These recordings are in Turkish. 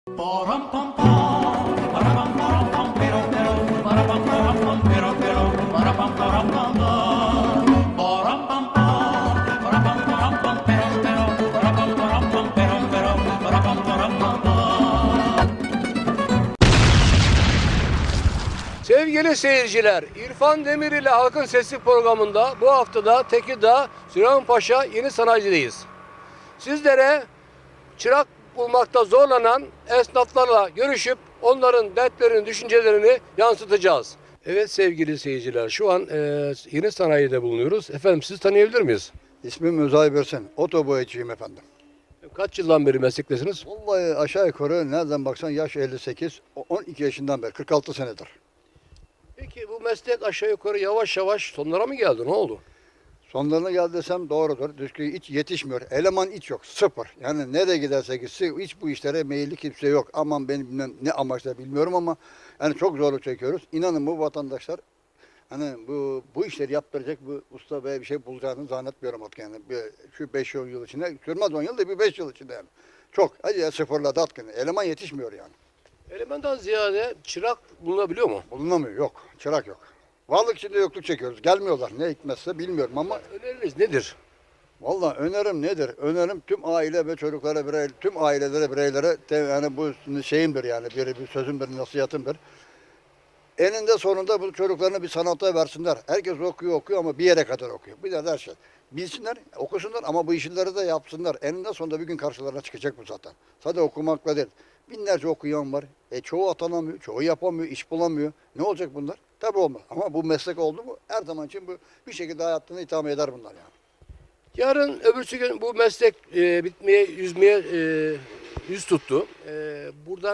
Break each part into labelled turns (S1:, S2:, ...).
S1: Sevgili seyirciler, İrfan Demir ile Halkın Sesi programında bu haftada Tekirdağ Süleymanpaşa Yeni Sanayi'deyiz. Sizlere çırak bulmakta zorlanan esnaflarla görüşüp onların dertlerini, düşüncelerini yansıtacağız. Evet sevgili seyirciler, şu an Yeni Sanayi'de bulunuyoruz. Efendim sizi tanıyabilir miyiz?
S2: İsmim Özay Börsen. Otoboyacıyım efendim.
S1: Kaç yıldan beri meslektesiniz?
S2: Vallahi aşağı yukarı nereden baksan yaş 58, 12 yaşından beri 46 senedir.
S1: Peki bu meslek aşağı yukarı yavaş yavaş sonlara mı geldi? Ne oldu?
S2: Sonlarına geldi desem doğrudur. Çünkü hiç yetişmiyor. Eleman hiç yok. Sıfır. Yani nereye giderse gitsin hiç bu işlere meyilli kimse yok. Aman benim bilmem ne amaçla bilmiyorum ama yani çok zorluk çekiyoruz. İnanın bu vatandaşlar hani bu işleri yaptıracak bu usta ve bir şey bulacağını zannetmiyorum artık yani. Şu 5 yıl içinde sürmez 10 yıl da bir 5 yıl içinde yani. Çok. Hadi ya sıfırladı artık. Eleman yetişmiyor yani.
S1: Elemandan ziyade çırak bulunabiliyor mu?
S2: Bulunamıyor. Yok. Çırak yok. Varlık içinde yokluk çekiyoruz. Gelmiyorlar. Ne hikmetse bilmiyorum ama
S1: Öneriniz nedir?
S2: vallahi önerim nedir? Önerim tüm aile ve çocuklara, tüm ailelere, bireylere yani bu şeyimdir yani bir sözümdür, nasihatimdir. Eninde sonunda bu çocuklarını bir sanata versinler. Herkes okuyor ama bir yere kadar okuyor. Bir de her şey. Bilsinler, okusunlar ama bu işleri de yapsınlar. Eninde sonunda bir gün karşılarına çıkacak bu zaten. Sadece okumakla değil. Binlerce okuyan var. Çoğu atanamıyor, çoğu yapamıyor, iş bulamıyor. Ne olacak bunlar? Tabii olmaz. Ama bu meslek oldu mu her zaman için bu bir şekilde hayatını idame eder bunlar yani.
S1: Yarın öbürsü gün bu meslek bitmeye, yüz tuttu. Buradan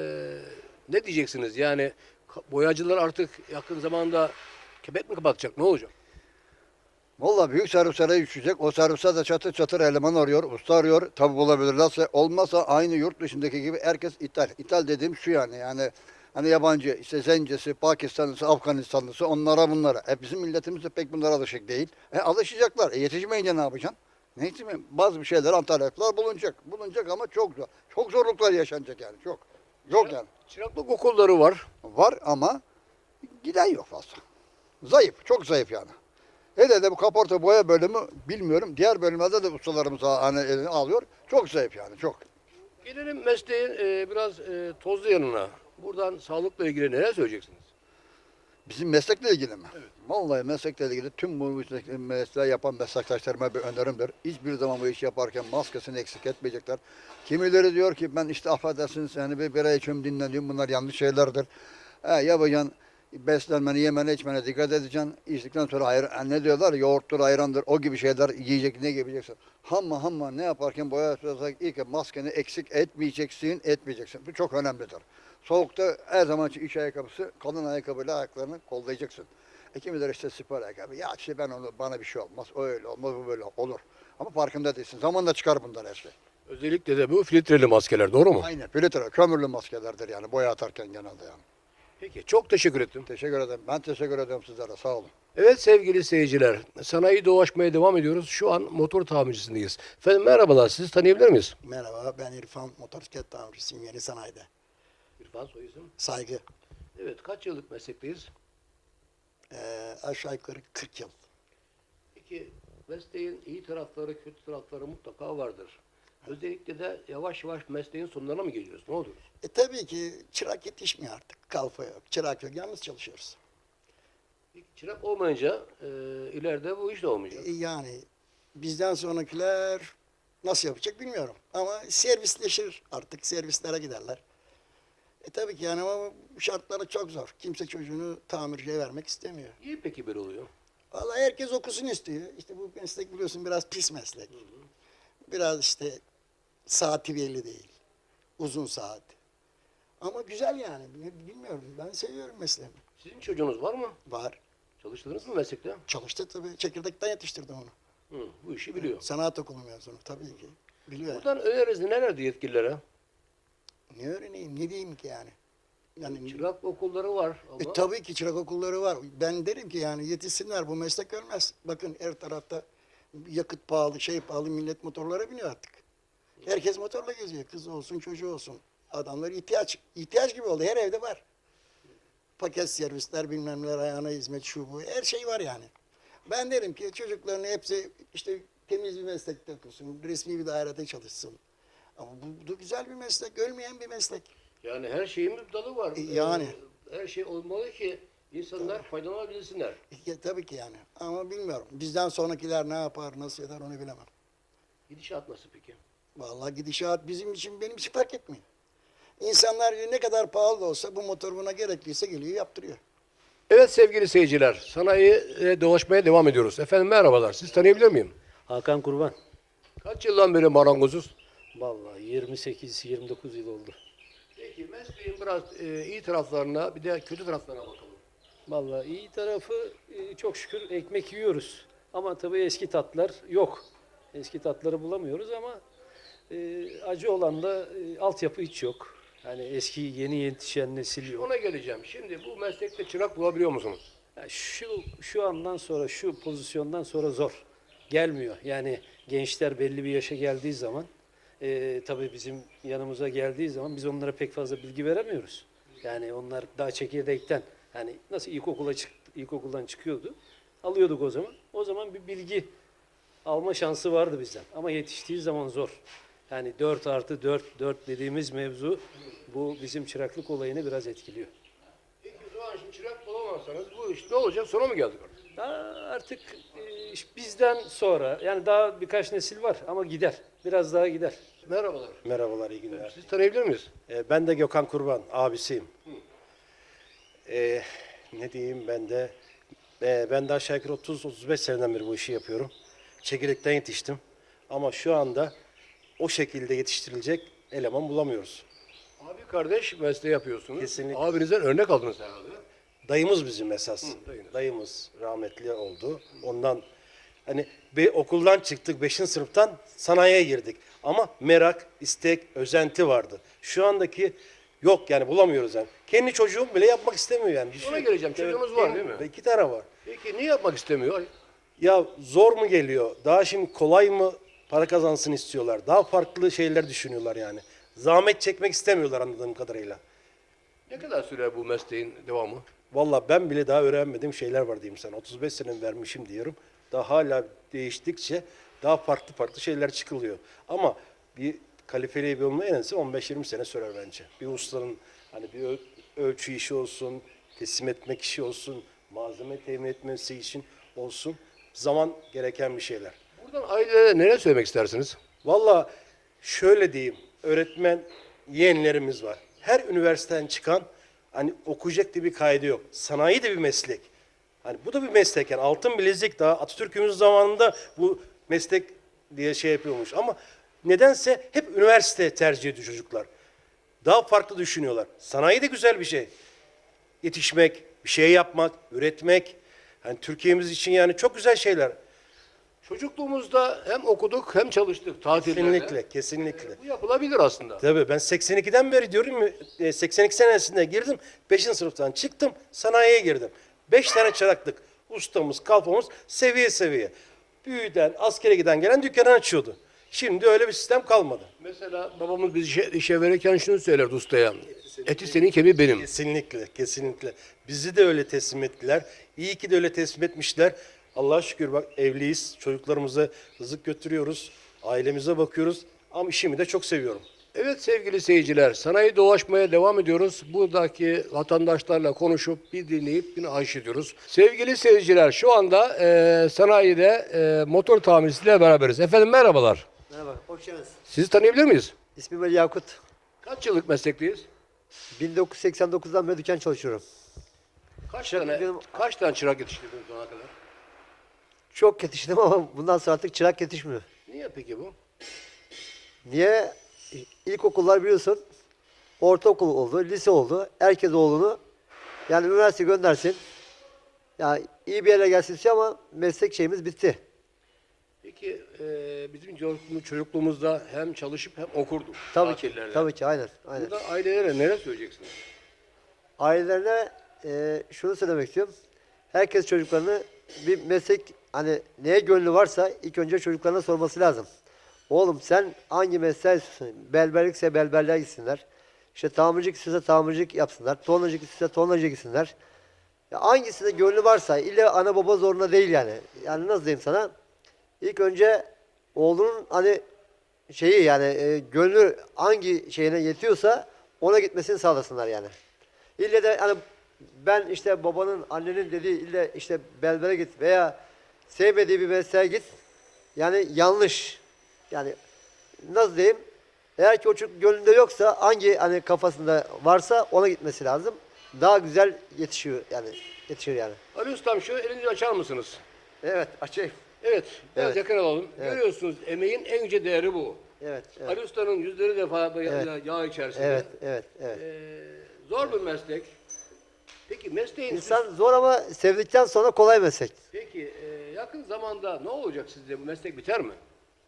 S1: ne diyeceksiniz? Yani boyacılar artık yakın zamanda kepek mi kapatacak? Ne olacak?
S2: Vallahi büyük servislere düşecek. O servise de çatır çatır eleman arıyor, usta arıyor. Tabi bulabilirlerse. Olmazsa aynı yurt dışındaki gibi herkes ithal. İthal dediğim şu yani hani yabancı işte Zencesi, Pakistanlısı, Afganistanlısı onlara bunlara. Bizim milletimiz de pek bunlara alışık değil. Alışacaklar. Yetişmeyince ne yapacaksın? Ne yetişmeyeyim? Bazı bir şeyler Antalyalılar bulunacak. Bulunacak ama çok zor. Çok zorluklar yaşanacak yani çok. Yok yani.
S1: Çıraklık okulları var.
S2: Var ama giden yok fazla. Zayıf, çok zayıf yani. Hele de bu kaporta boya bölümü bilmiyorum. Diğer bölümlerde de ustalarımız hani elini alıyor. Çok zayıf yani çok.
S1: Gelelim mesleğin biraz tozlu yanına. Buradan sağlıkla ilgili neler söyleyeceksiniz?
S2: Bizim meslekle ilgili mi? Evet. Vallahi meslekle ilgili tüm bu mesleği yapan meslektaşlarıma bir önerimdir. Hiçbir zaman bu işi yaparken maskesini eksik etmeyecekler. Kimileri diyor ki ben işte affedersiniz yani bir bira içiyorum dinleniyorum. Bunlar yanlış şeylerdir. Yapacaksın beslenmeni, yemene, içmene dikkat edeceksin. İçtikten sonra ne diyorlar? Yoğurttur, ayrandır, o gibi şeyler yiyecek, ne yiyeceksin. Hamma ne yaparken boya yaparsak ilk maskeni eksik etmeyeceksin. Bu çok önemlidir. Soğukta her zaman için iç ayakkabısı, kalın ayakkabıyla ayaklarını kollayacaksın. Kimileri işte spor ayakkabı. Ya işte bana bir şey olmaz, o öyle olmaz, bu böyle olur. Ama farkında değilsin. Zamanla çıkar bunlar her şey.
S1: Özellikle de bu filtreli maskeler, doğru mu?
S2: Aynen. Filtre, kömürlü maskelerdir yani boya atarken genelde yani.
S1: Peki, çok teşekkür ettim.
S2: Teşekkür ederim. Ben teşekkür ederim sizlere. Sağ olun.
S1: Evet sevgili seyirciler, sanayi dolaşmaya devam ediyoruz. Şu an motor tamircisindeyiz. Efendim merhabalar, sizi tanıyabilir miyiz?
S3: Merhaba, ben İrfan, motosiklet tamircisiyim Yeni Sanayi'de.
S1: İrfan soy isim.
S3: Saygı,
S1: Evet, kaç yıllık meslekteyiz?
S3: aşağı yukarı 40 yıl.
S1: Peki, mesleğin iyi tarafları, kötü tarafları mutlaka vardır. Özellikle de yavaş yavaş mesleğin sonlarına mı geliyoruz? Ne oluyoruz?
S3: Tabii ki çırak yetişmiyor artık, kalfa yok, çırak yok, yalnız çalışıyoruz.
S1: Peki, çırak olmayınca ileride bu iş de olmayacak.
S3: Yani bizden sonrakiler nasıl yapacak bilmiyorum. Ama servisleşir artık, servislere giderler. Tabii ki yani ama bu şartları çok zor. Kimse çocuğunu tamirciye vermek istemiyor.
S1: Niye peki böyle oluyor?
S3: Vallahi herkes okusun istiyor. İşte bu meslek biliyorsun biraz pis meslek. Biraz işte saati belli değil. Uzun saat. Ama güzel yani. Bilmiyorum. Ben seviyorum mesleğimi.
S1: Sizin çocuğunuz var mı?
S3: Var.
S1: Çalıştınız mı meslekte?
S3: Çalıştı tabii. Çekirdekten yetiştirdim onu.
S1: Bu işi biliyor.
S3: Sanat okulu mezunu tabii ki. Biliyor yani.
S1: Buradan öneriniz nelerdi yetkililere?
S3: Ne öğreneyim? Ne diyeyim ki yani? Yani
S1: Çırak okulları var ama
S3: tabii ki çırak okulları var. Ben derim ki yani yetişsinler. Bu meslek ölmez. Bakın her tarafta yakıt pahalı, şey pahalı. Millet motorlara biniyor artık. Herkes motorla geziyor. Kız olsun, çocuğu olsun. Adamlar ihtiyaç gibi oldu. Her evde var. Paket servisler, bilmem neler, ayağına hizmet, şu bu. Her şey var yani. Ben derim ki çocukların hepsi işte temiz bir meslekte okusun, resmi bir dairede çalışsın. Ama bu güzel bir meslek, ölmeyen bir meslek.
S1: Yani her şeyin bir dalı var.
S3: Yani.
S1: Her şey olmalı ki insanlar faydalanabilsinler.
S3: Tabii ki yani. Ama bilmiyorum. Bizden sonrakiler ne yapar, nasıl eder onu bilemem.
S1: Gidişat nasıl peki?
S3: Vallahi gidişat bizim için, benim için fark etmiyor. İnsanlar ne kadar pahalı da olsa bu motor buna gerekliyse geliyor yaptırıyor.
S1: Evet sevgili seyirciler, sanayiye dolaşmaya devam ediyoruz. Efendim merhabalar, siz tanıyabilir miyim?
S4: Hakan Kurban.
S1: Kaç yıldan beri marangozuz?
S4: Vallahi 28-29 yıl oldu.
S1: Peki mesleğin biraz iyi taraflarına bir de kötü taraflarına bakalım.
S4: Vallahi iyi tarafı çok şükür ekmek yiyoruz. Ama tabii eski tatlar yok. Eski tatları bulamıyoruz ama acı olan da altyapı hiç yok. Yani eski yeni yetişen nesil yok.
S1: Ona geleceğim. Şimdi bu meslekte çırak bulabiliyor musunuz?
S4: Ya şu andan sonra, şu pozisyondan sonra zor. Gelmiyor. Yani gençler belli bir yaşa geldiği zaman, tabii bizim yanımıza geldiği zaman biz onlara pek fazla bilgi veremiyoruz. Yani onlar daha çekirdekten, yani nasıl ilkokuldan çıkıyordu, alıyorduk o zaman. O zaman bir bilgi alma şansı vardı bizden. Ama yetiştiği zaman zor. Yani 4+4 dediğimiz mevzu bu bizim çıraklık olayını biraz etkiliyor.
S1: Peki o zaman şimdi çırak bulamazsanız bu iş ne olacak? Sona mı geldik artık?
S4: Daha artık bizden sonra yani daha birkaç nesil var ama gider. Biraz daha gider.
S1: Merhabalar.
S5: Merhabalar, iyi günler.
S1: Siz tanıyabilir miyiz?
S5: Ben de Gökhan Kurban, abisiyim. Ne diyeyim ben de, ben de aşağı yukarı 30-35 seneden beri bu işi yapıyorum. Çekirdekten yetiştim. Ama şu anda o şekilde yetiştirilecek eleman bulamıyoruz.
S1: Abi kardeş mesleği yapıyorsunuz.
S5: Kesinlikle.
S1: Abinizden örnek aldınız herhalde.
S5: Dayımız bizim esas.
S1: dayınız.
S5: Dayımız rahmetli oldu. Ondan hani okuldan çıktık 5. sınıftan sanayiye girdik. Ama merak, istek, özenti vardı. Şu andaki yok yani bulamıyoruz yani. Kendi çocuğum bile yapmak istemiyor yani.
S1: Ona geleceğim. Çocuğunuz var değil mi?
S5: 2 tane var.
S1: Peki niye yapmak istemiyor?
S5: Ya zor mu geliyor? Daha şimdi kolay mı para kazansın istiyorlar? Daha farklı şeyler düşünüyorlar yani. Zahmet çekmek istemiyorlar anladığım kadarıyla.
S1: Ne kadar sürer bu mesleğin devamı?
S5: Vallahi ben bile daha öğrenmediğim şeyler var diyeyim sana. 35 sene vermişim diyorum. Daha hala değiştikçe daha farklı şeyler çıkılıyor. Ama bir kalifeli bir olma en azı 15-20 sene sürer bence. Bir ustanın hani bir ölçü işi olsun, teslim etmek işi olsun, malzeme temin etmesi için olsun. Zaman gereken bir şeyler.
S1: Buradan ailelere neler söylemek istersiniz?
S5: Vallahi şöyle diyeyim, öğretmen yeğenlerimiz var. Her üniversiteden çıkan hani okuyacak diye bir kaydı yok. Sanayi de bir meslek. Hani bu da bir meslek yani altın bilezik daha Atatürk'ümüz zamanında bu meslek diye şey yapıyormuş. Ama nedense hep üniversite tercih ediyor çocuklar. Daha farklı düşünüyorlar. Sanayi de güzel bir şey. Yetişmek, bir şey yapmak, üretmek. Hani Türkiye'miz için yani çok güzel şeyler.
S1: Çocukluğumuzda hem okuduk hem çalıştık tatillerde.
S5: Kesinlikle, kesinlikle.
S1: Bu yapılabilir aslında.
S5: Tabii ben 82'den beri diyorum ya 82 senesinde girdim. 5. sınıftan çıktım sanayiye girdim. 5 tane çıraklık. Ustamız, kalfamız seviye seviye. Büyüden, askere giden gelen dükkanı açıyordu. Şimdi öyle bir sistem kalmadı.
S1: Mesela babamız biz işe verirken şunu söylerdi ustaya. Eti senin kemiği benim.
S5: Kesinlikle, kesinlikle. Bizi de öyle teslim ettiler. İyi ki de öyle teslim etmişler. Allah'a şükür bak evliyiz. Çocuklarımıza rızık götürüyoruz. Ailemize bakıyoruz. Ama işimi de çok seviyorum.
S1: Evet sevgili seyirciler, sanayi dolaşmaya devam ediyoruz. Buradaki vatandaşlarla konuşup bir dinleyip bir aşık ediyoruz. Sevgili seyirciler, şu anda sanayide motor tamircisiyle beraberiz. Efendim merhabalar.
S6: Merhaba, hoş geldiniz.
S1: Sizi tanıyabilir miyiz?
S6: İsmim Ali Yakut.
S1: Kaç yıllık meslekteyiz?
S6: 1989'dan beri dükkan çalışıyorum.
S1: Kaç tane çırak yetiştirdiniz şu ana kadar?
S6: Çok yetiştim ama bundan sonra artık çırak yetişmiyor.
S1: Niye peki bu?
S6: Niye? İlkokullar biliyorsun, ortaokul oldu, lise oldu. Herkes oğlunu yani üniversite göndersin. Yani iyi bir yere gelsin istiyor ama meslek şeyimiz bitti.
S1: Peki bizim çocukluğumuzda hem çalışıp hem okurduk.
S6: Tabii ki,
S1: tatillerde.
S6: tabii ki aynen.
S1: Burada ailelere neler söyleyeceksiniz?
S6: Ailelerine şunu söylemek istiyorum. Herkes çocuklarını bir meslek hani neye gönlü varsa ilk önce çocuklarına sorması lazım. Oğlum sen hangi mesleği istiyorsun? Berberlikse berberliğe gitsinler. İşte tamircilik istiyorsa tamircilik yapsınlar. Tornacılık istiyorsa tornacı gitsinler. Ya hangisinde gönlü varsa illa ana baba zorunda değil yani. Yani nasıl diyeyim sana? İlk önce oğlunun hani şeyi yani gönlü hangi şeyine yetiyorsa ona gitmesini sağlasınlar yani. İlle de hani ben işte babanın, annenin dediği ille işte berbere git veya sevmediği bir mesleğe git. Yani yanlış. Yani nasıl diyeyim? Eğer ki o çocuk gönlünde yoksa hangi hani kafasında varsa ona gitmesi lazım. Daha güzel yetişiyor yani. Yetişir yani.
S1: Ali Ustam şu elinizi açar mısınız?
S6: Evet, açayım.
S1: Evet, biraz
S6: Evet.
S1: yakın alalım.
S6: Evet.
S1: Görüyorsunuz emeğin en yüce değeri bu.
S6: Evet, evet.
S1: Ali Usta'nın yüzleri defa
S6: Evet.
S1: yağ içerisinde.
S6: Evet, evet, evet.
S1: Zor bir meslek. Peki mesleğin
S6: İnsan zor ama sevdikten sonra kolay meslek.
S1: Peki yakın zamanda ne olacak sizce, bu meslek biter mi?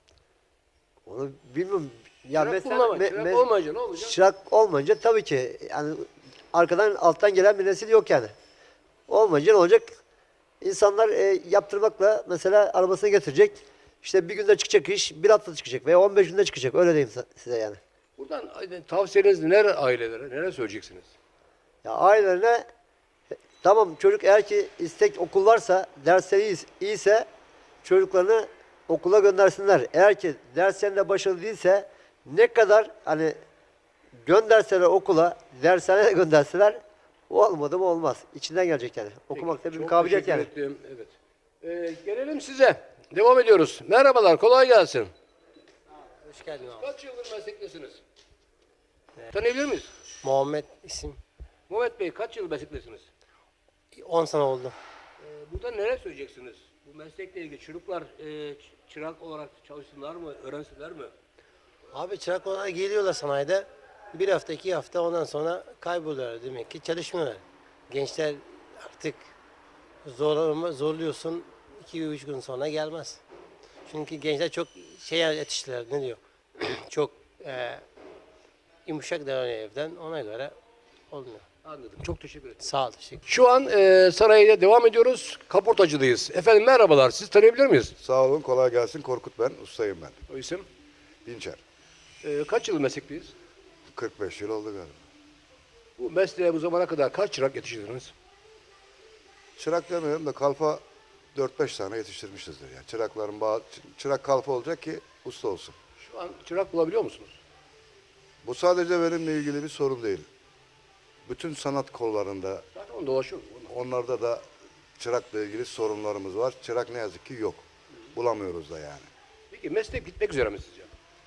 S6: Onu bilmiyorum. Ya
S1: Çırak
S6: mesela
S1: bulunamaz. Çırak olmayınca ne olacak?
S6: çırak olmayınca tabii ki yani arkadan alttan gelen bir nesil yok yani. Olmayınca ne olacak? İnsanlar yaptırmakla mesela arabasını getirecek. İşte bir günde çıkacak iş, bir hafta çıkacak veya 15 günde çıkacak. Öyle diyeyim size yani.
S1: Buradan tavsiyeniz neler ailelere, neler söyleyeceksiniz?
S6: Ya ailelerine tamam çocuk eğer ki istek okul varsa, dersleri iyiyse çocuklarını okula göndersinler. Eğer ki derslerinde başarılı değilse ne kadar hani gönderseler okula, dershaneye de gönderseler o olmadı mı olmaz. İçinden gelecek yani. Okumak da bir
S1: Çok
S6: kabiliyet
S1: teşekkür
S6: yani.
S1: ettim. Evet. Gelelim size. Devam ediyoruz. Merhabalar, kolay gelsin.
S7: Hoş geldin abi.
S1: Kaç yıldır meslektesiniz? Tanıyabilir miyiz?
S7: Muhammed isim.
S1: Muhammed Bey, kaç yıl meslektesiniz?
S7: 10 sene oldu.
S1: Burada neler söyleyeceksiniz? Bu meslekle ilgili çocuklar çırak olarak çalışsınlar mı, öğrensinler mi?
S7: Abi çırak olarak geliyorlar sanayide. Bir hafta, 2 hafta ondan sonra kayboluyorlar demek ki çalışmıyorlar. Gençler artık zorluyorsun 2-3 gün sonra gelmez. Çünkü gençler çok şey yetiştiler ne diyor? Çok yumuşak davranıyor evden ona göre olmuyor.
S1: Anladım. Çok teşekkür ederim.
S7: Sağ ol teşekkür.
S1: Şu an sanayide devam ediyoruz. Kaportacıdayız. Efendim merhabalar. Siz tanıyabilir miyiz?
S8: Sağ olun, kolay gelsin. Korkut ben, ustayım ben.
S1: O isim.
S8: Dinçer.
S1: Kaç yıl meslekteyiz?
S8: 45 yıl oldu galiba.
S1: Bu mesleğe bu zamana kadar kaç çırak yetiştirdiniz?
S8: Çırak demiyorum da kalfa 4-5 tane yetiştirmişizdir yani. Çırakların çırak kalfa olacak ki usta olsun.
S1: Şu an çırak bulabiliyor musunuz?
S8: Bu sadece benimle ilgili bir sorun değil. Bütün sanat kollarında,
S1: Zaten onu dolaşıyoruz.
S8: onlarda da çırakla ilgili sorunlarımız var. Çırak ne yazık ki yok. Bulamıyoruz da yani.
S1: Peki meslek bitmek üzere mi sizce?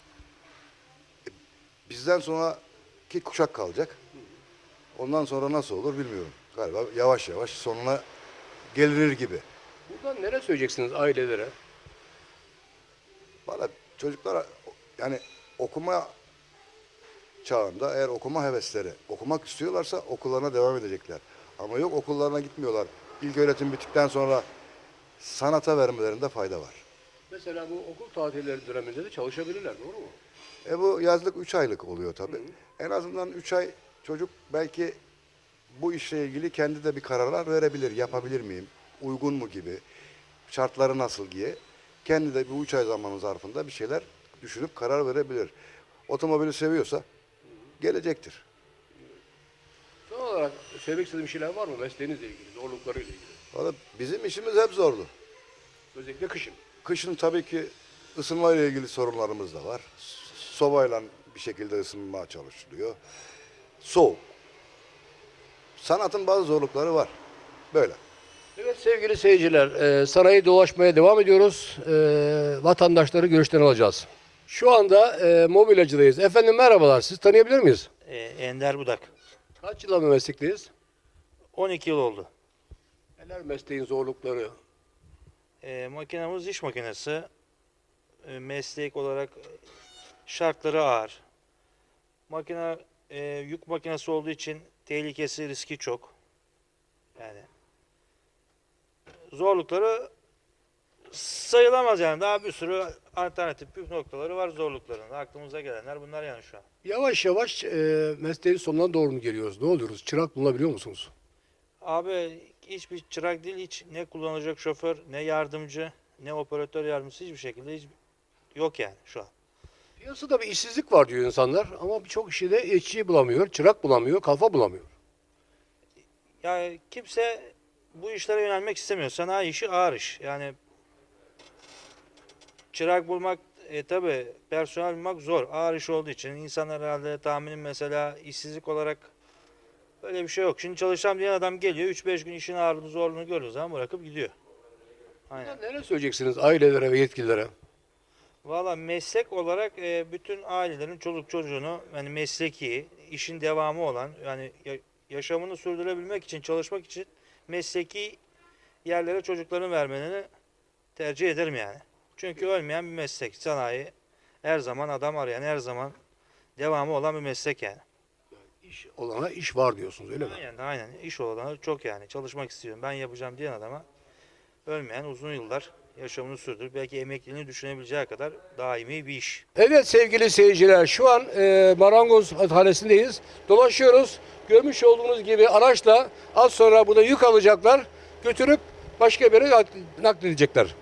S8: Bizden sonraki kuşak kalacak. Ondan sonra nasıl olur bilmiyorum. Galiba yavaş yavaş sonuna gelinir gibi.
S1: Buradan neler söyleyeceksiniz ailelere?
S8: Valla çocuklara yani okuma çağında eğer okuma hevesleri, okumak istiyorlarsa okullarına devam edecekler. Ama yok okullarına gitmiyorlar. İlk öğretim bittikten sonra sanata vermelerinde fayda var.
S1: Mesela bu okul tatilleri döneminde de çalışabilirler, doğru mu?
S8: Bu yazlık 3 aylık oluyor tabii. En azından 3 ay çocuk belki bu işle ilgili kendi de bir kararlar verebilir. Yapabilir miyim? Uygun mu gibi? Şartları nasıl diye. Kendi de bu 3 ay zamanı zarfında bir şeyler düşünüp karar verebilir. Otomobili seviyorsa gelecektir.
S1: Son olarak söylemek istediğim şeyler var mı mesleğinizle ilgili, zorluklarıyla ilgili?
S8: Valla bizim işimiz hep zordu.
S1: Özellikle kışın.
S8: Kışın tabii ki ısınmayla ilgili sorunlarımız da var. Sobayla bir şekilde ısınmaya çalışılıyor. Soğuk. Sanatın bazı zorlukları var. Böyle.
S1: Evet sevgili seyirciler, sanayi dolaşmaya devam ediyoruz. Vatandaşları görüşlerini alacağız. Şu anda mobilyacıdayız. Efendim merhabalar, siz tanıyabilir miyiz?
S9: Ender Budak.
S1: Kaç yıldır bu meslekteyiz?
S9: 12 yıl oldu.
S1: Neler mesleğin zorlukları?
S9: Makinamız iş makinesi. Meslek olarak şartları ağır. Makine yük makinesi olduğu için tehlikesi, riski çok. Yani zorlukları sayılamaz yani. Daha bir sürü alternatif püf noktaları var zorlukların. Aklımıza gelenler bunlar yani şu an.
S1: Yavaş yavaş mesleğin sonuna doğru mu geliyoruz? Ne oluyoruz? Çırak bulabiliyor musunuz?
S9: Abi hiçbir çırak değil, hiç ne kullanacak şoför, ne yardımcı, ne operatör yardımcısı hiçbir şekilde yok yani şu an.
S1: Piyasada bir işsizlik var diyor insanlar ama birçok kişi de işçi bulamıyor, çırak bulamıyor, kalfa bulamıyor.
S9: Yani kimse bu işlere yönelmek istemiyor. Sanayi işi ağır iş. Yani çırak bulmak, tabi personel bulmak zor. Ağır iş olduğu için insanlar herhalde tahminim mesela işsizlik olarak öyle bir şey yok. Şimdi çalışacağım diyen adam geliyor 3-5 gün işin ağırlığını zorluğunu gördüğü zaman bırakıp gidiyor. Aynen.
S1: Neler söyleyeceksiniz ailelere ve yetkililere?
S9: Valla meslek olarak bütün ailelerin çoluk çocuğunu yani mesleki, işin devamı olan yani yaşamını sürdürebilmek için, çalışmak için mesleki yerlere çocuklarını vermelerini tercih ederim yani. Çünkü ölmeyen bir meslek. Sanayi her zaman adam arayan, her zaman devamı olan bir meslek yani.
S1: İş olana iş var diyorsunuz öyle mi?
S9: Aynen. İş olanı çok yani. Çalışmak istiyorum, ben yapacağım diyen adama ölmeyen uzun yıllar yaşamını sürdürüp belki emekliliğini düşünebileceği kadar daimi bir iş.
S1: Evet sevgili seyirciler şu an marangoz atölyesindeyiz. Dolaşıyoruz. Görmüş olduğunuz gibi araçla az sonra burada yük alacaklar. Götürüp başka bir yere nakledecekler.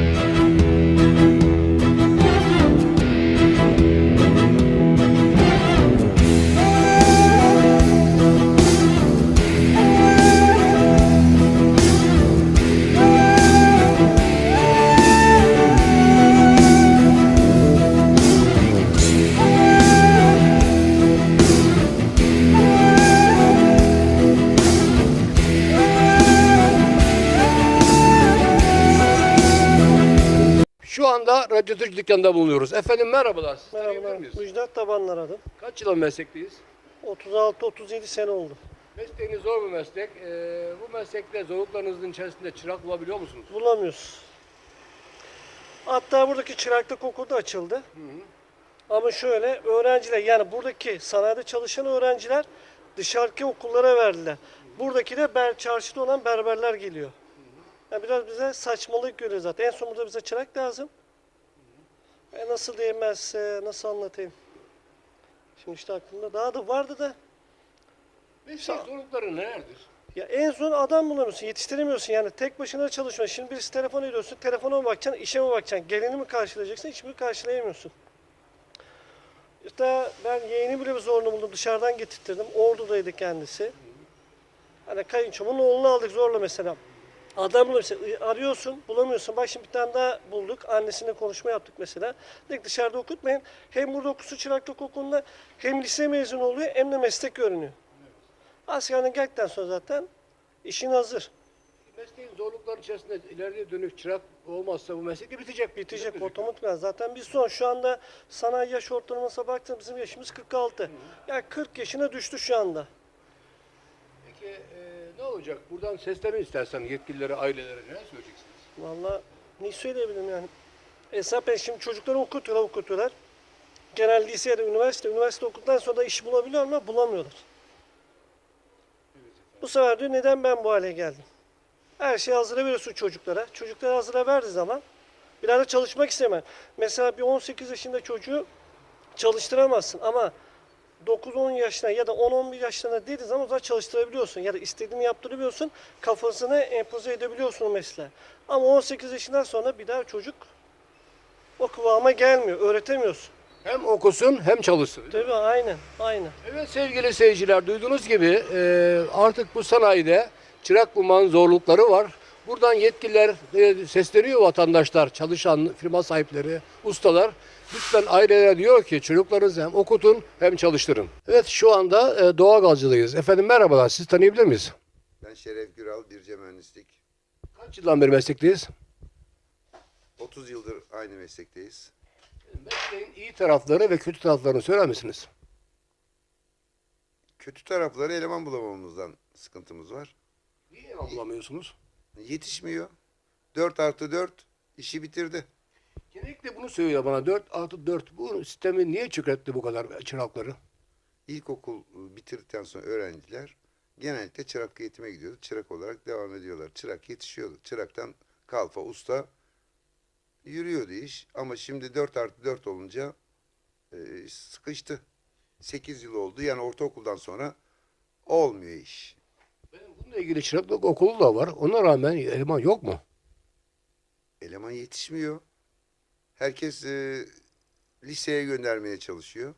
S1: Şu anda Radyo Türk dükkanında bulunuyoruz. Efendim merhabalar. Siz tanıyabilir
S10: Merhabalar,
S1: miyiz?
S10: Müjdat Tabanlar adım.
S1: Kaç yılın meslekteyiz?
S10: 36-37 sene oldu.
S1: Mesleğiniz zor bir meslek. Bu meslekte zorluklarınızın içerisinde çırak bulabiliyor musunuz?
S10: Bulamıyoruz. Hatta buradaki çıraklık okulu da açıldı. Ama şöyle, öğrenciler yani buradaki sanayide çalışan öğrenciler dışarıki okullara verdiler. Buradaki de çarşıda olan berberler geliyor. Yani biraz bize saçmalık görüyor zaten. En son burada bize çırak lazım. Nasıl diyemez, nasıl anlatayım? Şimdi işte aklımda daha da vardı da.
S1: Meslek zorlukları nelerdir?
S10: Ya en son adam bulamıyorsun, yetiştiremiyorsun yani tek başına çalışmıyorsun. Şimdi birisi telefon ediyorsun, telefona mı bakacaksın, işe mi bakacaksın, gelini mi karşılayacaksın, hiçbirini karşılayamıyorsun. İşte ben yeğeni bile bir zorunu buldum, dışarıdan getirttirdim, Ordu'daydı kendisi. Hani kayınçomun oğlunu aldık zorla mesela. Adam bulamıyorsun, arıyorsun, bulamıyorsun. Bak şimdi bir tane daha bulduk, annesine konuşma yaptık mesela. Dedik dışarıda okutmayın, hem burada okusun çıraklık okulunda, hem lise mezunu oluyor, hem de meslek öğreniyor. Askerden geldikten sonra zaten işin hazır.
S1: Mesleğin zorlukları içerisinde ileriye dönük çırak olmazsa bu meslek de bitecek.
S10: Bitecek otomatikman. Zaten biz şu anda sanayi yaş ortalamasına baktığımızda bizim yaşımız 46. Yani 40 yaşına düştü şu anda.
S1: Peki ne olacak? Buradan seslenin istersen yetkililere, ailelere neler söyleyeceksiniz?
S10: Vallahi ne söyleyebilirim yani. Hesap şimdi çocukları okutuyorlar. Genel lise ya da üniversite okuduktan sonra da iş bulabiliyor ama bulamıyorlar. Bu sefer diyor neden ben bu hale geldim? Her şeyi hazıra veriyorsun çocuklara. Çocuklara hazıra verdiği zaman biraz da çalışmak istemem. Mesela bir 18 yaşında çocuğu çalıştıramazsın ama 9-10 yaşına ya da 10-11 yaşlarına dediği zaman o zaman çalıştırabiliyorsun. Ya da istediğini yaptırabiliyorsun. Kafasına empoze edebiliyorsun o mesleği. Ama 18 yaşından sonra bir daha çocuk o kıvama gelmiyor. Öğretemiyorsun.
S1: Hem okusun hem çalışsın.
S10: Tabii aynen.
S1: Evet sevgili seyirciler duyduğunuz gibi artık bu sanayide çırak bulmanın zorlukları var. Buradan yetkililer sesleniyor vatandaşlar, çalışan firma sahipleri, ustalar. Lütfen ailelere diyor ki çocuklarınızı hem okutun hem çalıştırın. Evet şu anda doğalgazcıdayız. Efendim merhabalar siz tanıyabilir miyiz?
S11: Ben Şeref Güral, Birce Mühendislik.
S1: Kaç yıldan beri meslekteyiz?
S11: 30 yıldır aynı meslekteyiz.
S1: Mesleğin iyi tarafları ve kötü taraflarını söyler misiniz?
S11: Kötü tarafları eleman bulamamamızdan sıkıntımız var.
S1: Niye bulamıyorsunuz?
S11: Yetişmiyor. 4+4 işi bitirdi.
S1: Genellikle bunu söylüyor bana 4+4 bu sistemi niye çökertti bu kadar çırakları?
S11: İlkokul bitirdikten sonra öğrenciler genellikle çırak eğitime gidiyordu. Çırak olarak devam ediyorlar. Çırak yetişiyordu. Çıraktan kalfa, usta yürüyordu iş. Ama şimdi 4+4 olunca sıkıştı. 8 yıl oldu. Yani ortaokuldan sonra olmuyor iş.
S1: Bununla ilgili çıraklık okulu da var. Ona rağmen eleman yok mu?
S11: Eleman yetişmiyor. Herkes liseye göndermeye çalışıyor.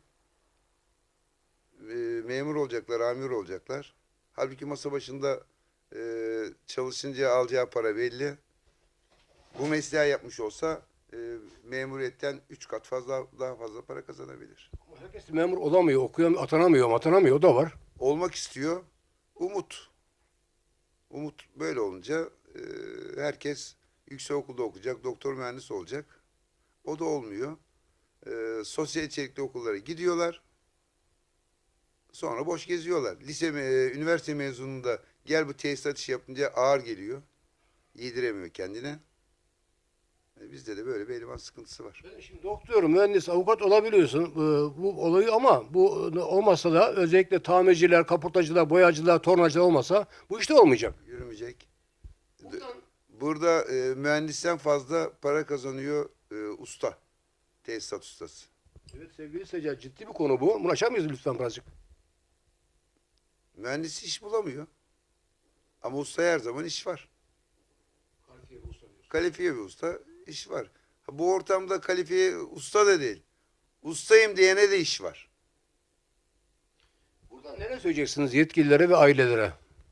S11: Memur olacaklar, amir olacaklar. Halbuki masa başında çalışınca alacağı para belli. Bu mesleği yapmış olsa memuriyetten 3 kat daha fazla para kazanabilir.
S1: Herkes memur olamıyor, okuyamıyor, atanamıyor, o da var.
S11: Olmak istiyor. Umut. Umut böyle olunca herkes yüksekokulda okuyacak, doktor mühendis olacak. O da olmuyor. Sosyal içerikli okullara gidiyorlar. Sonra boş geziyorlar. Üniversite mezununda gel bu tesisat işi yapınca ağır geliyor. Yediremiyor kendine. Bizde de böyle bir eleman sıkıntısı var.
S1: Ben şimdi doktor, mühendis, avukat olabiliyorsun bu olayı ama bu olmasa da özellikle tamirciler, kaportacılar, boyacılar, tornacılar olmasa bu işte olmayacak.
S11: Yürümeyecek. Burada mühendisten fazla para kazanıyor usta. Tesisat ustası.
S1: Evet sevgili seyirciler, ciddi bir konu bu. Bunu açar mıyız lütfen birazcık?
S11: Mühendis iş bulamıyor. Ama usta her zaman iş var. Kalifiye bir usta iş var. Bu ortamda kalifiye usta da değil. Ustayım diyene de iş var.
S1: Buradan neler söyleyeceksiniz yetkililere ve ailelere?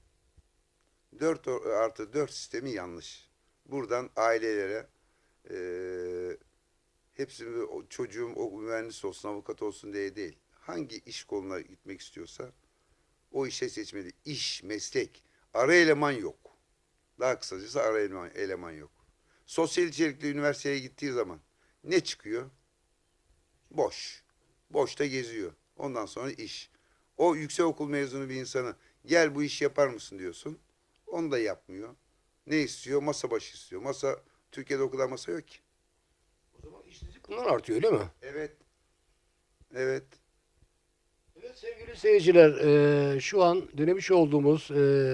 S11: 4+4 sistemi yanlış. Buradan ailelere hepsi çocuğum o mühendis olsun, avukat olsun diye değil. Hangi iş koluna gitmek istiyorsa o işe seçmeli. İş, meslek. Ara eleman yok. Daha kısacası ara eleman yok. Sosyal içerikli üniversiteye gittiği zaman ne çıkıyor? Boş. Boşta geziyor. Ondan sonra iş. O yüksekokul mezunu bir insanı gel bu işi yapar mısın diyorsun. Onu da yapmıyor. Ne istiyor? Masa başı istiyor. Türkiye'de o kadar masa yok ki.
S1: O zaman işsizlik bundan artıyor öyle mi?
S11: Evet. Evet.
S1: Evet sevgili seyirciler, şu an denemiş olduğumuz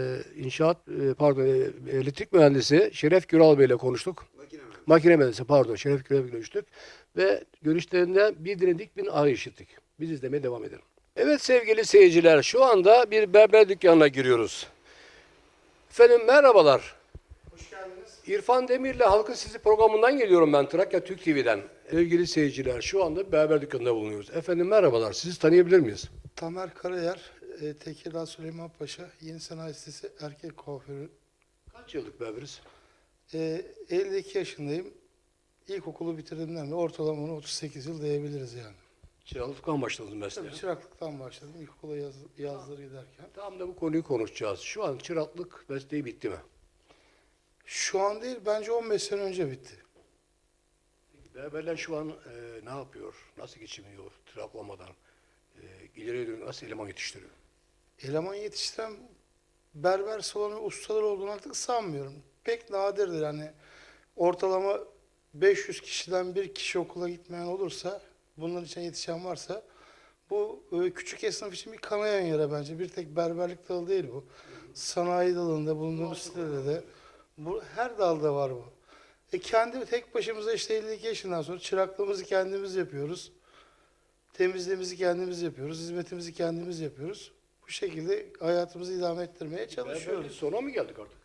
S1: elektrik mühendisi Şeref Güral Bey ile konuştuk. Makine mühendisi pardon, Şeref Güral Bey ile görüştük. Ve görüşlerinden bir dinledik, bir ağrı işittik. Biz izlemeye devam edelim. Evet sevgili seyirciler, şu anda bir berber dükkanına giriyoruz. Efendim merhabalar.
S12: Hoş geldiniz.
S1: İrfan Demir'le Halkın Sesi programından geliyorum ben Trakya Türk TV'den. Sevgili seyirciler, şu anda berber dükkanında bulunuyoruz. Efendim merhabalar, sizi tanıyabilir miyiz?
S12: Tamer Karayer, Tekirdağ Süleymanpaşa, Yeni Sanayi Sitesi erkek kuaförü.
S1: Kaç yıllık berberiz?
S12: 52 yaşındayım. İlkokulu bitirdiğimden de ortalama 38 yıl diyebiliriz yani.
S1: Çıraklıktan başladınız mesleğe.
S12: Tabii çıraklıktan başladım. İlkokula yazları giderken.
S1: Tam da bu konuyu konuşacağız. Şu an çıraklık mesleği bitti mi?
S12: Şu an değil, bence 15 sene önce bitti.
S1: Berberler şu an ne yapıyor? Nasıl geçiniyor çıraklamadan? İleriye dönük nasıl eleman yetiştiriyor?
S12: Eleman yetiştiren berber salonu ustalar olduğunu artık sanmıyorum. Pek nadirdir yani. Ortalama 500 kişiden bir kişi okula gitmeyen olursa, bunların için yetişen varsa, bu küçük esnaf için bir kanayan yere bence. Bir tek berberlik dalı değil bu. Sanayi dalında, bulunduğumuz sitede de. Her dalda var bu. Kendi tek başımıza işte 52 yaşından sonra çıraklığımızı kendimiz yapıyoruz. Temizliğimizi kendimiz yapıyoruz. Hizmetimizi kendimiz yapıyoruz. Bu şekilde hayatımızı idame ettirmeye çalışıyoruz.
S1: Berberliğin sonuna mı geldik artık?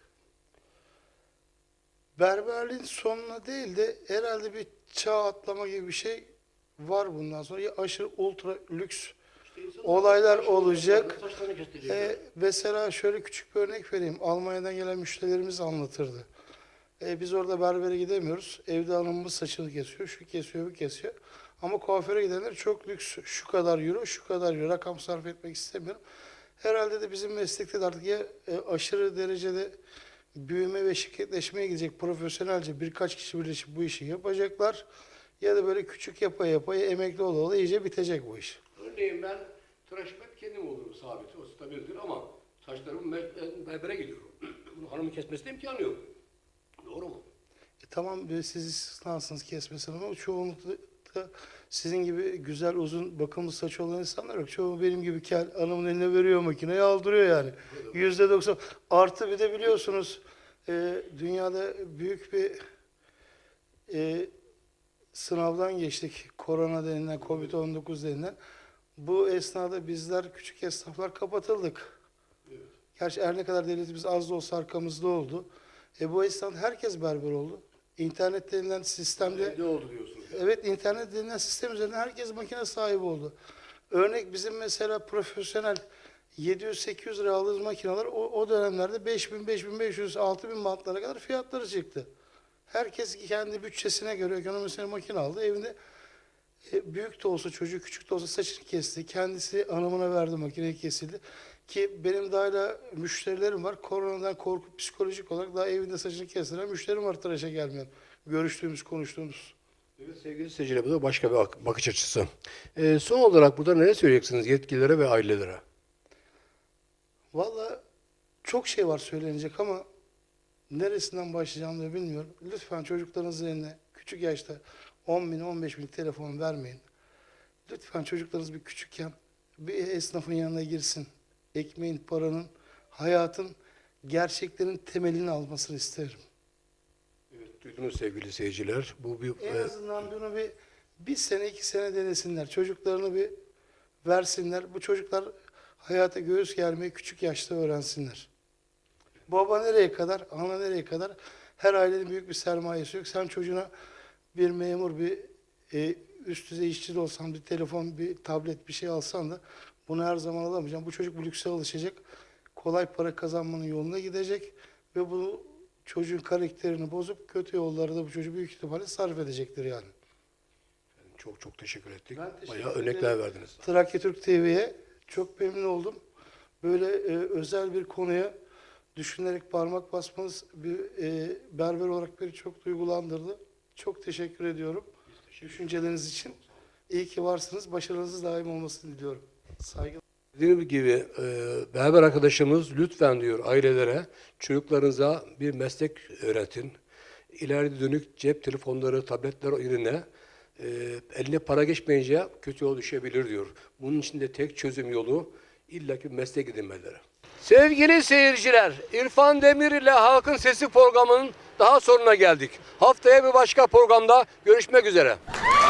S12: Berberliğin sonuna değil de herhalde bir çağ atlama gibi bir şey var bundan sonra. Ya aşırı ultra lüks olaylar olacak. Mesela şöyle küçük bir örnek vereyim. Almanya'dan gelen müşterilerimiz anlatırdı. Biz orada berbere gidemiyoruz. Evde hanımımız saçını kesiyor, şu kesiyor, bu kesiyor. Ama kuaföre gidenler çok lüks. Şu kadar euro, şu kadar euro. Rakam sarf etmek istemiyorum. Herhalde de bizim meslekte de artık ya aşırı derecede büyüme ve şirketleşmeye gidecek profesyonelce birkaç kişi birleşip bu işi yapacaklar. Ya da böyle küçük yapa emekli ola iyice bitecek bu iş.
S1: Örneğin ben tıraşım hep kendim olurum sabit. O stabildir ama saçlarımı berbere gidiyorum. Bunu hanımın kesmesine imkanı yok. Doğru mu?
S12: Tamam siz istisnasınız kesmesin ama çoğunlukla sizin gibi güzel uzun bakımlı saçı olan insanlar yok. Çoğu benim gibi kel hanımın eline veriyor makineyi aldırıyor yani. %90. Artı bir de biliyorsunuz dünyada büyük bir sınavdan geçtik. Korona denilen, Covid-19 denilen. Bu esnada bizler küçük esnaflar kapatıldık. Gerçi her ne kadar devletimiz az da olsa arkamızda oldu. Bu esnada herkes berber oldu. İnternet denilen sistemde
S1: Ne oldu diyorsunuz?
S12: evet, internet denilen sistem üzerinden herkes makine sahibi oldu. Örnek bizim mesela profesyonel 700-800 lira aldığımız makineler o dönemlerde 5000, 5500, 6000 bantlara kadar fiyatları çıktı. Herkes kendi bütçesine göre ekonomisine makine aldı. Evinde büyük de olsa çocuğu, küçük de olsa saçını kesti. Kendisi hanımına verdi, makineyi kesildi. Ki benim daha hala müşterilerim var. Koronadan korkup psikolojik olarak daha evinde saçını kestiren müşterim var tıraşa gelmeyen. Görüştüğümüz, konuştuğumuz.
S1: Evet sevgili seyirciler, bu da başka bir bakış açısı. Son olarak burada ne söyleyeceksiniz yetkililere ve ailelere?
S12: Vallahi çok şey var söylenecek ama neresinden başlayacağımı da bilmiyorum. Lütfen çocuklarınızın eline küçük yaşta 10 bin, 15 bin telefon vermeyin. Lütfen çocuklarınız bir küçükken bir esnafın yanına girsin. Ekmeğin, paranın, hayatın, gerçeklerin temelini almasını isterim.
S1: Evet, duydunuz sevgili seyirciler. Bu bir
S12: En azından bunu bir sene, 2 sene denesinler. Çocuklarını bir versinler. Bu çocuklar hayata göğüs germeyi küçük yaşta öğrensinler. Baba nereye kadar, ana nereye kadar? Her ailenin büyük bir sermayesi yok. Sen çocuğuna bir memur, bir üst düzey işçi de olsan, bir telefon, bir tablet, bir şey alsan da bunu her zaman alamayacaksın. Bu çocuk bu lükse alışacak. Kolay para kazanmanın yoluna gidecek ve bu çocuğun karakterini bozup kötü yollara da bu çocuk büyük ihtimalle sarf edecektir yani.
S1: çok çok teşekkür ettik.
S12: Ben teşekkür
S1: Bayağı
S12: ederim.
S1: örnekler verdiniz.
S12: Trakya Türk TV'ye çok memnun oldum. Böyle özel bir konuya düşünerek parmak basmanız bir berber olarak beni çok duygulandırdı. Çok teşekkür ediyorum düşünceleriniz için. İyi ki varsınız. Başarınız daim olmasını diliyorum. Saygılar.
S1: Dediğim gibi berber arkadaşımız lütfen diyor ailelere, çocuklarınıza bir meslek öğretin. İleri dönük cep telefonları, tabletler yerine eline para geçmeyince kötü yol düşebilir diyor. Bunun için de tek çözüm yolu illaki meslek edinmeleri. Sevgili seyirciler, İrfan Demir ile Halkın Sesi programının daha sonuna geldik. Haftaya bir başka programda görüşmek üzere.